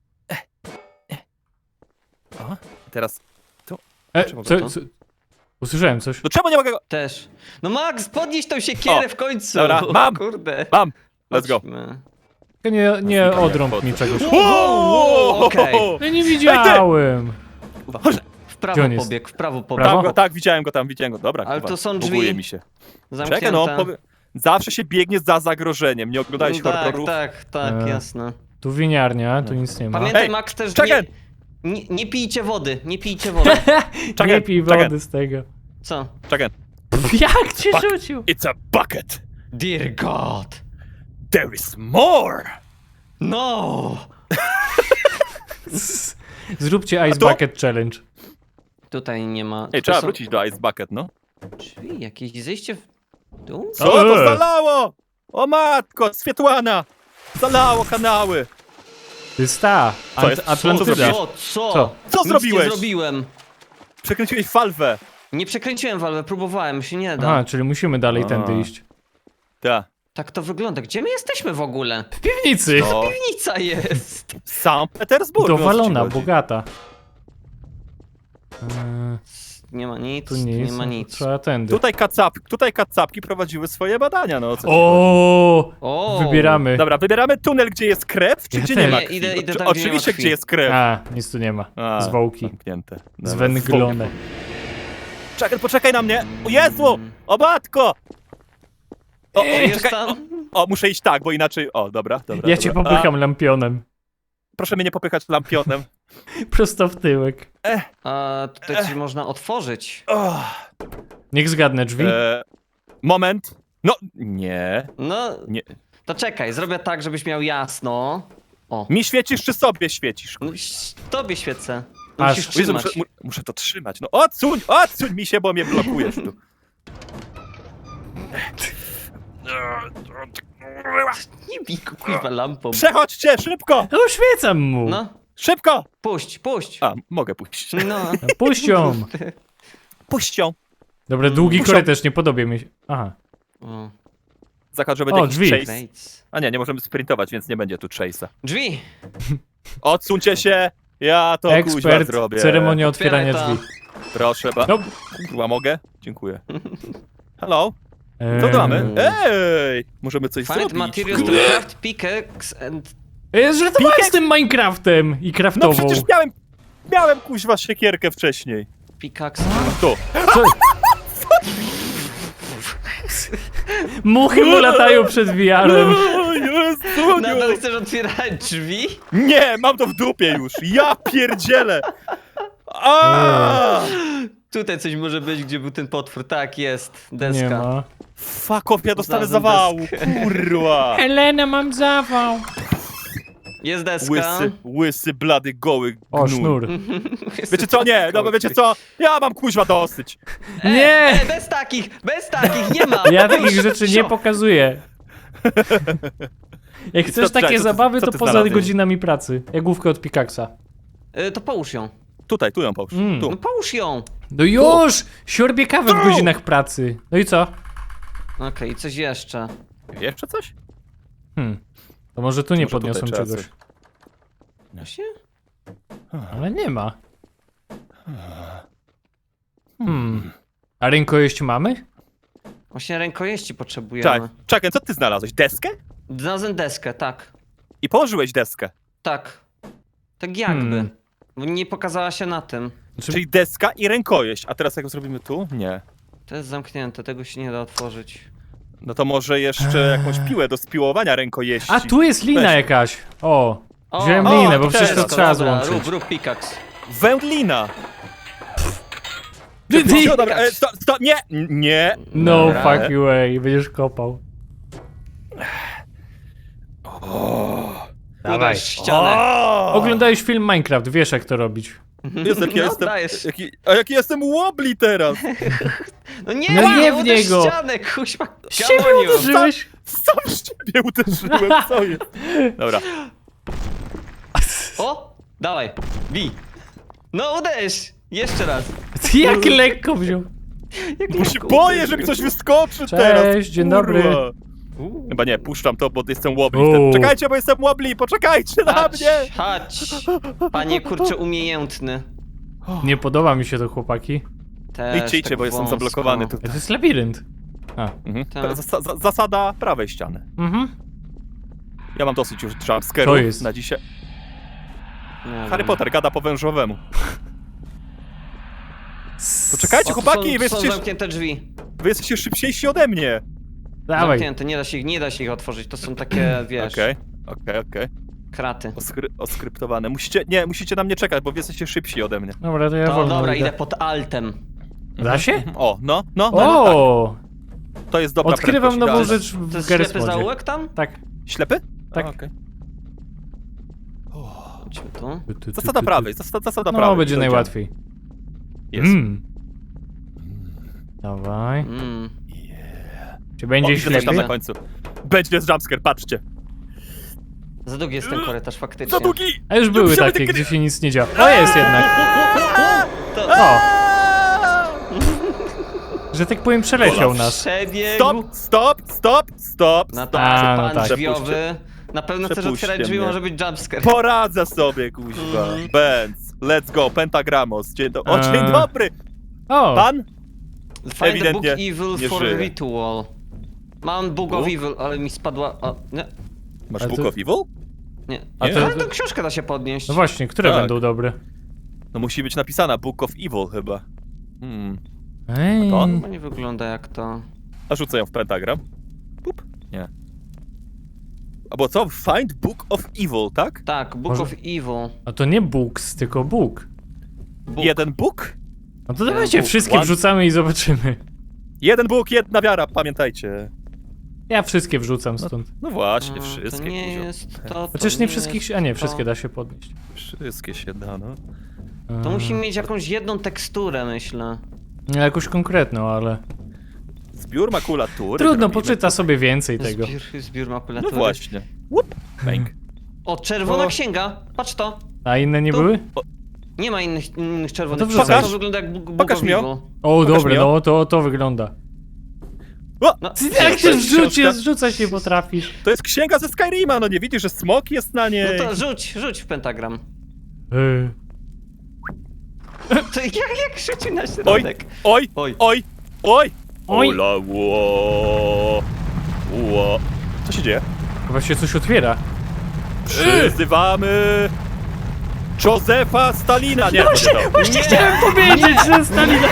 Speaker 2: O, teraz.
Speaker 3: E,
Speaker 2: Czemu
Speaker 3: co,
Speaker 1: to?
Speaker 3: co? Usłyszałem coś.
Speaker 2: No czemu nie mogę go.
Speaker 1: Też. No Max, podnieś tą siekierę
Speaker 2: O,
Speaker 1: w końcu.
Speaker 2: dobra, mam.
Speaker 1: Kurde.
Speaker 2: Mam! Let's go.
Speaker 1: Chodźmy.
Speaker 3: Tylko nie, nie
Speaker 2: Znikam,
Speaker 3: odrąb
Speaker 2: jak
Speaker 3: mi
Speaker 2: chodzę.
Speaker 3: czegoś.
Speaker 1: Wow, okej.
Speaker 3: Ja nie widziałem.
Speaker 2: Chodź.
Speaker 1: W
Speaker 3: Gdzie
Speaker 1: prawo
Speaker 3: on jest?
Speaker 1: pobieg, w prawo
Speaker 3: Prawo?
Speaker 1: pobieg.
Speaker 2: Tam go, tak, widziałem go tam, widziałem go. Dobra,
Speaker 1: Ale
Speaker 2: kurwa,
Speaker 1: to są drzwi.
Speaker 2: buguje mi się.
Speaker 1: Zamknięte.
Speaker 2: Czekaj, no, powie... zawsze się biegnie za zagrożeniem. Nie oglądałeś
Speaker 1: tak,
Speaker 2: horrorów?
Speaker 1: tak, tak,
Speaker 3: E.
Speaker 1: jasne.
Speaker 3: Tu winiarnia, tu nic nie ma.
Speaker 1: Pamiętaj,
Speaker 2: Ej,
Speaker 1: Max, też
Speaker 2: czekaj.
Speaker 1: nie, nie, nie pijcie wody, nie pijcie wody.
Speaker 2: Czekaj,
Speaker 3: Nie pij
Speaker 2: czekaj.
Speaker 3: wody z tego.
Speaker 1: Co?
Speaker 2: Czekaj.
Speaker 3: Jak cię
Speaker 2: Fuck.
Speaker 3: rzucił?
Speaker 2: It's a bucket!
Speaker 1: Dear God.
Speaker 2: There is more!
Speaker 1: No!
Speaker 3: Zróbcie Ice
Speaker 2: to?
Speaker 3: Bucket Challenge.
Speaker 1: Tutaj nie ma...
Speaker 2: Ej,
Speaker 1: tutaj
Speaker 2: trzeba
Speaker 1: są
Speaker 2: wrócić do Ice Bucket, no.
Speaker 1: Drzwi, jakieś zejście w dół?
Speaker 2: Co to
Speaker 3: Eee.
Speaker 2: zalało? O matko, Swietłana! Zalało kanały!
Speaker 3: To jest ta,
Speaker 2: Co jest?
Speaker 3: Ant-
Speaker 2: Co
Speaker 3: Atlantyda.
Speaker 2: zrobiłeś?
Speaker 1: Co? Co?
Speaker 3: Co?
Speaker 2: Co
Speaker 1: Nic
Speaker 2: zrobiłeś?
Speaker 1: nie zrobiłem.
Speaker 2: Przekręciłeś falwę.
Speaker 1: Nie przekręciłem walwę, próbowałem, się nie da.
Speaker 3: Aha, czyli musimy dalej
Speaker 2: A.
Speaker 3: tędy iść.
Speaker 2: Tak.
Speaker 1: Tak to wygląda. Gdzie my jesteśmy w ogóle?
Speaker 3: W piwnicy!
Speaker 2: No.
Speaker 1: Piwnica jest.
Speaker 2: Sankt Petersburg. no,
Speaker 3: Dowalona,
Speaker 2: co ci chodzi?
Speaker 3: bogata. Eee,
Speaker 1: Nie ma nic,
Speaker 3: tu
Speaker 1: tu
Speaker 3: nic,
Speaker 1: nie ma
Speaker 3: no to
Speaker 1: nic.
Speaker 3: trzeba tędy.
Speaker 2: Tutaj kacap, tutaj kacapki prowadziły swoje badania, no. Co ci chodzi?
Speaker 3: O,
Speaker 1: O!
Speaker 3: wybieramy.
Speaker 2: Dobra, wybieramy tunel, gdzie jest krew, czy
Speaker 3: Ja
Speaker 2: gdzie
Speaker 3: też.
Speaker 2: nie ma
Speaker 1: Nie,
Speaker 2: krwi?
Speaker 1: idę- idę
Speaker 2: Oczy-
Speaker 1: tam, gdzie nie ma
Speaker 2: Oczywiście,
Speaker 1: krwi.
Speaker 2: gdzie jest krew.
Speaker 3: A, nic tu nie ma.
Speaker 2: A,
Speaker 3: Zwłoki.
Speaker 2: Zamknięte. Dobra,
Speaker 3: Zwęglone.
Speaker 2: Czekaj, poczekaj na mnie! O Jezu! O matko! O, o,
Speaker 1: Ej,
Speaker 2: czekaj, o,
Speaker 1: tam?
Speaker 2: o, muszę iść tak, bo inaczej... O, dobra, dobra.
Speaker 3: Ja cię
Speaker 2: dobra.
Speaker 3: popycham lampionem.
Speaker 2: A, proszę mnie nie popychać lampionem.
Speaker 3: Prosto w tyłek.
Speaker 1: A tutaj coś można otworzyć.
Speaker 2: O,
Speaker 3: Niech zgadnę drzwi.
Speaker 2: e, moment. No, nie,
Speaker 1: No,
Speaker 2: nie.
Speaker 1: to czekaj, zrobię tak, żebyś miał jasno. O.
Speaker 2: Mi świecisz, czy sobie świecisz?
Speaker 1: No, ś- tobie świecę.
Speaker 3: Aż.
Speaker 1: Musisz
Speaker 2: O Jezu,
Speaker 1: trzymać.
Speaker 2: muszę, mu, muszę to trzymać. No odsuń, odsuń mi się, bo mnie blokujesz tu.
Speaker 1: Nie bij go, kuźwa, lampą.
Speaker 2: Przechodźcie, szybko!
Speaker 3: No uświecam mu.
Speaker 1: No,
Speaker 2: Szybko!
Speaker 1: puść, puść.
Speaker 2: A, mogę pójść.
Speaker 1: No.
Speaker 3: No, puść ją.
Speaker 2: Puść ją.
Speaker 3: Dobra, długi
Speaker 2: Muszą-
Speaker 3: korytarz, nie podobie mi się. Aha.
Speaker 1: O,
Speaker 2: Zakład, że będzie
Speaker 3: O,
Speaker 2: jakiś
Speaker 3: drzwi.
Speaker 2: chase.
Speaker 1: Bates.
Speaker 2: A nie, nie możemy sprintować, więc nie będzie tu chase'a.
Speaker 1: Drzwi!
Speaker 2: Odsuńcie się! Ja to kuźwa
Speaker 3: Ekspert,
Speaker 2: zrobię.
Speaker 3: ceremonia
Speaker 1: Otwieraj
Speaker 3: otwierania
Speaker 1: to.
Speaker 3: drzwi.
Speaker 2: Proszę, ba...
Speaker 3: No.
Speaker 2: Kurwa, mogę? Dziękuję. Hello? Co
Speaker 3: Eee.
Speaker 2: tu mamy? Ej! Możemy coś
Speaker 1: Find
Speaker 2: zrobić.
Speaker 1: materials to craft pickaxe and...
Speaker 3: Eee, Żartowałem
Speaker 2: Pikax-
Speaker 3: z tym Minecraftem i
Speaker 2: No
Speaker 3: craftową.
Speaker 2: przecież miałem... Miałem kuźwa siekierkę wcześniej.
Speaker 1: Pickaxe...
Speaker 2: Tu.
Speaker 3: Co? Muchy mu latają przed V R-em.
Speaker 2: O Jezu,
Speaker 1: Nadal chcesz otwierać drzwi?
Speaker 2: nie, mam to w dupie już. Ja pierdzielę. A!
Speaker 1: Tutaj coś może być, gdzie był ten potwór. Tak, jest.
Speaker 3: Nie
Speaker 1: Deska.
Speaker 3: ma.
Speaker 2: Fuck off, ja dostanę
Speaker 1: Znalazłem
Speaker 2: zawału.
Speaker 1: deskę.
Speaker 2: Kurwa.
Speaker 3: Elena, mam zawał.
Speaker 1: Jest deska.
Speaker 2: Łysy, łysy, blady, goły
Speaker 3: O,
Speaker 2: gnój.
Speaker 3: sznur.
Speaker 2: Wiecie co? Nie, no bo wiecie co? Ja mam kuźwa dosyć.
Speaker 3: Nie!
Speaker 1: E, bez takich, bez takich, nie ma!
Speaker 3: Ja takich rzeczy nie
Speaker 1: Sio.
Speaker 3: pokazuję. Jak chcesz
Speaker 2: co- czekaj,
Speaker 3: takie
Speaker 2: co ty-
Speaker 3: zabawy,
Speaker 2: co
Speaker 3: to
Speaker 2: ty
Speaker 3: poza
Speaker 2: znalazłeś?
Speaker 3: godzinami pracy. Jak główkę od Pickaxa.
Speaker 1: E, to połóż ją.
Speaker 2: Tutaj, tu ją połóż.
Speaker 3: Mm.
Speaker 2: Tu.
Speaker 1: No połóż ją.
Speaker 3: No już! Siorbie kawę w
Speaker 2: Tu!
Speaker 3: godzinach pracy. No i co?
Speaker 1: Okej, i coś jeszcze.
Speaker 2: Jeszcze coś?
Speaker 3: Hmm. To może tu nie
Speaker 2: Może tutaj
Speaker 3: podniosłem
Speaker 2: trzeba
Speaker 3: czegoś.
Speaker 2: coś.
Speaker 1: Właśnie?
Speaker 3: Ale nie ma. Hmm. A rękojeść mamy?
Speaker 1: Właśnie rękojeści potrzebujemy.
Speaker 2: Tak. Czekaj, co ty znalazłeś? Deskę?
Speaker 1: Znalazłem deskę, tak.
Speaker 2: I położyłeś deskę.
Speaker 1: Tak. Tak jakby.
Speaker 3: Hmm.
Speaker 1: Bo nie pokazała się na tym.
Speaker 3: Znaczy,
Speaker 2: Czyli deska i rękojeść. A teraz jak ją zrobimy tu? Nie.
Speaker 1: To jest zamknięte, tego się nie da otworzyć.
Speaker 2: No to może jeszcze jakąś piłę do spiłowania rękojeści.
Speaker 3: A tu jest lina
Speaker 2: Weź.
Speaker 3: jakaś. O.
Speaker 1: O,
Speaker 3: Wziąłem
Speaker 2: o,
Speaker 3: linę, bo
Speaker 2: to
Speaker 3: przecież
Speaker 2: też,
Speaker 3: to
Speaker 2: to
Speaker 3: trzeba
Speaker 1: Dobra,
Speaker 3: złączyć.
Speaker 1: rób, rób pickaxe.
Speaker 2: Wędlina.
Speaker 3: Ty, ty.
Speaker 2: O, dobra, e, sto, sto, nie, nie.
Speaker 3: No
Speaker 1: Dobra.
Speaker 3: fucking way, będziesz kopał.
Speaker 2: O,
Speaker 1: Dawaj. ścianę.
Speaker 2: o,
Speaker 3: Oglądałeś film Minecraft, wiesz jak to robić.
Speaker 2: Jezu, jaki
Speaker 1: No,
Speaker 2: jestem,
Speaker 1: dajesz.
Speaker 2: jaki, a jaki jestem wobbly teraz.
Speaker 1: No nie,
Speaker 3: No
Speaker 1: nie,
Speaker 3: nie w
Speaker 1: uderz
Speaker 3: niego.
Speaker 1: ścianę, kuźwa,
Speaker 3: Z ciebie
Speaker 1: gamoniu.
Speaker 3: uderzyłeś?
Speaker 2: Sam w ciebie uderzyłem, co jest? Dobra.
Speaker 1: O, dawaj, bij. No uderz, jeszcze raz.
Speaker 3: Ty jak lekko wziął.
Speaker 1: Jak
Speaker 2: Bo się
Speaker 1: lekko
Speaker 2: boję,
Speaker 1: uderzył.
Speaker 2: że mi coś wyskoczy
Speaker 3: Cześć,
Speaker 2: teraz.
Speaker 3: dzień
Speaker 2: kurwa.
Speaker 3: dobry.
Speaker 1: Uuu.
Speaker 2: Chyba nie, puszczam to, bo jestem wobbly.
Speaker 3: Uuu.
Speaker 2: wtedy. Czekajcie, bo jestem wobbly, poczekajcie na
Speaker 1: Chodź,
Speaker 2: mnie.
Speaker 1: chodź, panie kurczę umiejętny.
Speaker 3: Nie podoba mi się to, chłopaki.
Speaker 1: Też
Speaker 2: Idźcie, idźcie,
Speaker 1: tak
Speaker 2: bo jestem
Speaker 1: wąsko.
Speaker 2: zablokowany
Speaker 3: To
Speaker 2: tutaj.
Speaker 3: jest labirynt. A.
Speaker 2: Mhm.
Speaker 1: Tak.
Speaker 2: Zas- za- zasada prawej ściany.
Speaker 3: Mhm.
Speaker 2: Ja mam dosyć już
Speaker 3: To
Speaker 2: jumpscare'ów
Speaker 3: jest.
Speaker 2: na dzisiaj.
Speaker 1: Nie
Speaker 2: Harry
Speaker 1: wiem.
Speaker 2: Potter gada po wężowemu. Poczekajcie,
Speaker 1: O, tu
Speaker 2: chłopaki,
Speaker 1: są,
Speaker 2: wy
Speaker 1: są
Speaker 2: jesteście,
Speaker 1: zamknięte drzwi.
Speaker 2: wy jesteście szybciejsi ode mnie.
Speaker 3: Dawaj.
Speaker 1: Zamknięte, nie da się ich, nie da się ich otworzyć, to są takie, wiesz,
Speaker 2: Okej, okej, okej.
Speaker 1: kraty.
Speaker 2: Oskry- Oskryptowane. Musicie, nie, musicie na mnie czekać, bo wy jesteście szybsi ode mnie.
Speaker 3: Dobra, to ja
Speaker 1: To
Speaker 3: wolno
Speaker 1: dobra,
Speaker 3: idę.
Speaker 1: idę pod altem.
Speaker 3: Da się?
Speaker 2: O, no, no, no, no tak.
Speaker 3: O!
Speaker 2: To jest dobra
Speaker 3: Odkrywam
Speaker 2: prędkość,
Speaker 3: nową
Speaker 2: idealna.
Speaker 3: rzecz
Speaker 1: To
Speaker 3: w
Speaker 1: jest
Speaker 3: Garry's
Speaker 1: ślepy
Speaker 3: Modzie.
Speaker 1: zaułek tam?
Speaker 3: Tak.
Speaker 2: Ślepy?
Speaker 3: Tak.
Speaker 2: A, okej.
Speaker 1: Chodźmy tu.
Speaker 2: Zasada prawej, zasada, zasada
Speaker 3: No,
Speaker 2: prawej.
Speaker 3: będzie
Speaker 2: Dojdziemy.
Speaker 3: najłatwiej.
Speaker 2: Jest.
Speaker 3: Mm. Dawaj.
Speaker 1: Mm.
Speaker 3: Czy
Speaker 2: O,
Speaker 3: będzie
Speaker 2: widzę coś tam
Speaker 3: ślepy?
Speaker 2: na końcu. Będzie jumpscare, patrzcie.
Speaker 1: Za długi jest ten korytarz, faktycznie.
Speaker 2: Za długi!
Speaker 3: A już były
Speaker 2: Musimy
Speaker 3: takie,
Speaker 2: tylko-
Speaker 3: gdzie się nic nie działo. O, jest jednak.
Speaker 1: To...
Speaker 3: O, że tak powiem przeleciał nas.
Speaker 1: Przebiegł.
Speaker 2: Stop, stop, stop, stop,
Speaker 1: No
Speaker 2: stop.
Speaker 1: tak,
Speaker 3: A, no
Speaker 1: pan
Speaker 3: tak.
Speaker 1: drzwiowy. Na pewno chcesz
Speaker 2: Przepuśćcie
Speaker 1: otwierać drzwi,
Speaker 2: mnie.
Speaker 1: może być jumpscare.
Speaker 2: Poradzę sobie, kuźwa.
Speaker 1: Mm.
Speaker 2: Benz, let's go, Pentagramos. Dzień, do... o,
Speaker 3: Eee.
Speaker 2: dzień dobry.
Speaker 3: O,
Speaker 2: Pan?
Speaker 1: Find the book
Speaker 2: Ewidentnie
Speaker 1: evil
Speaker 2: nie
Speaker 1: for
Speaker 2: żyje.
Speaker 1: ritual. Mam book of
Speaker 2: Book?
Speaker 1: evil, ale mi spadła... O, nie,
Speaker 2: Masz
Speaker 3: A
Speaker 2: Book
Speaker 3: to-
Speaker 2: of Evil?
Speaker 1: nie.
Speaker 3: A
Speaker 1: A
Speaker 3: to-
Speaker 1: Ale tą książkę da się podnieść.
Speaker 3: no właśnie, które
Speaker 2: Tak.
Speaker 3: będą dobre?
Speaker 2: No musi być napisana Book of Evil chyba. Hmm.
Speaker 3: Ej.
Speaker 2: To?
Speaker 1: Chyba nie wygląda jak to.
Speaker 2: A rzucę ją w pentagram. Pup. Nie. Albo co? Find Book of Evil, tak?
Speaker 1: Tak, book
Speaker 3: Może-
Speaker 1: of evil.
Speaker 3: A to nie books, tylko book.
Speaker 1: Book.
Speaker 2: Jeden Bóg?
Speaker 3: No to dawajcie,
Speaker 1: book.
Speaker 3: wszystkie
Speaker 2: One-
Speaker 3: wrzucamy i zobaczymy.
Speaker 2: Jeden Bóg, jedna wiara, pamiętajcie.
Speaker 3: Ja wszystkie wrzucam stąd.
Speaker 2: No właśnie,
Speaker 1: A,
Speaker 2: wszystkie.
Speaker 1: To nie
Speaker 2: kuzio.
Speaker 1: jest to, to
Speaker 3: Chociaż nie
Speaker 1: jest
Speaker 3: wszystkich się... A nie,
Speaker 1: to.
Speaker 3: wszystkie da się podnieść.
Speaker 2: Wszystkie się da, no.
Speaker 1: To musi mieć jakąś jedną teksturę, myślę.
Speaker 3: No, jakąś konkretną, ale...
Speaker 2: Zbiór makulatury.
Speaker 3: Trudno,
Speaker 2: zrobimy.
Speaker 3: poczyta sobie więcej tego.
Speaker 1: Zbiór, zbiór
Speaker 2: No
Speaker 1: makulatury.
Speaker 2: właśnie. Łup, bęk.
Speaker 1: O, czerwona
Speaker 2: O.
Speaker 1: księga. Patrz to.
Speaker 3: A inne nie
Speaker 1: Tu.
Speaker 3: były?
Speaker 1: Nie ma innych, innych czerwonych
Speaker 3: No to
Speaker 1: ksiąg.
Speaker 3: wrzucaj.
Speaker 1: To wygląda jak bug
Speaker 2: Pokaż mi ją.
Speaker 1: bugowiwo.
Speaker 3: O,
Speaker 2: Pokaż
Speaker 3: dobre,
Speaker 2: mi ją.
Speaker 3: no to, to wygląda.
Speaker 2: O,
Speaker 1: No,
Speaker 3: Jak się
Speaker 2: jest
Speaker 3: zrzucie,
Speaker 2: książka.
Speaker 3: zrzucać nie potrafisz.
Speaker 2: to jest księga ze Skyrima, no nie widzisz, że smok jest na niej?
Speaker 1: no to rzuć, rzuć w pentagram.
Speaker 3: Yy.
Speaker 1: To jak, jak rzucił na
Speaker 2: Oj,
Speaker 1: środek?
Speaker 2: oj,
Speaker 1: Oj.
Speaker 2: oj, oj,
Speaker 3: Oj.
Speaker 2: Ola, ło, ło. Co się dzieje?
Speaker 3: Chyba się coś otwiera.
Speaker 2: Przyzywamy Józefa Stalina. Nie, to nie to.
Speaker 3: Właśnie chciałem powiedzieć, że Stalina...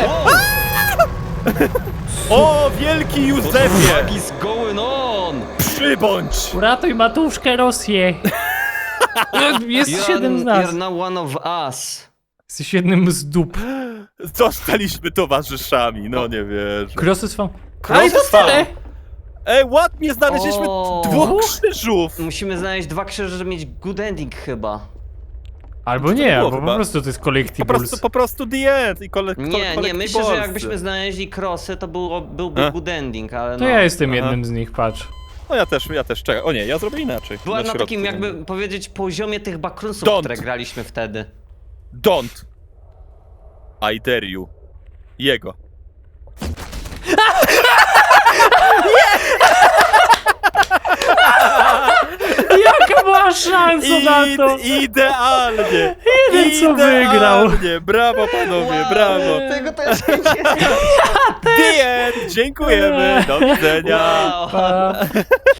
Speaker 2: O, wielki Józefie,
Speaker 1: What is going on?
Speaker 2: przybądź!
Speaker 3: Uratuj matuszkę Rosję. Jest
Speaker 1: You're,
Speaker 3: siedem z
Speaker 1: you're
Speaker 3: nas.
Speaker 1: now one of us.
Speaker 3: Jesteś jednym z dup.
Speaker 2: Zostaliśmy towarzyszami, no nie wierzę.
Speaker 3: Krosy swą...
Speaker 2: Krosy
Speaker 3: A i to
Speaker 2: swą.
Speaker 3: tyle!
Speaker 2: Ej, ładnie znaleźliśmy
Speaker 1: O.
Speaker 2: dwóch krzyżów.
Speaker 1: Musimy znaleźć dwa krzyże, żeby mieć good ending chyba.
Speaker 3: Albo
Speaker 2: to
Speaker 3: nie,
Speaker 2: było
Speaker 3: albo po
Speaker 2: chyba?
Speaker 3: prostu to jest
Speaker 2: Po
Speaker 3: collectibles.
Speaker 2: prostu, po prostu the end i kole, kole,
Speaker 1: Nie, nie, myślę, że
Speaker 2: collectiblesy.
Speaker 1: jakbyśmy znaleźli krosy, to było, byłby
Speaker 2: A?
Speaker 1: good ending, ale
Speaker 3: To
Speaker 1: no.
Speaker 3: ja jestem
Speaker 2: Aha.
Speaker 3: jednym z nich, patrz.
Speaker 2: No ja też, ja też, czekaj. O nie, ja zrobię inaczej.
Speaker 1: Była na,
Speaker 2: środku
Speaker 1: takim, jakby
Speaker 2: będę.
Speaker 1: powiedzieć, poziomie tych backroomsów,
Speaker 2: Don't.
Speaker 1: które graliśmy wtedy.
Speaker 2: Don't. I dare you. Jego.
Speaker 3: Jaka była szansa na to?
Speaker 2: Idealnie!
Speaker 3: Jeden, co wygrał.
Speaker 2: Idealnie. Brawo panowie, brawo!
Speaker 1: Tego to jeszcze nie.
Speaker 2: The end! Dziękujemy! Do widzenia!
Speaker 1: Wow.
Speaker 3: Pa.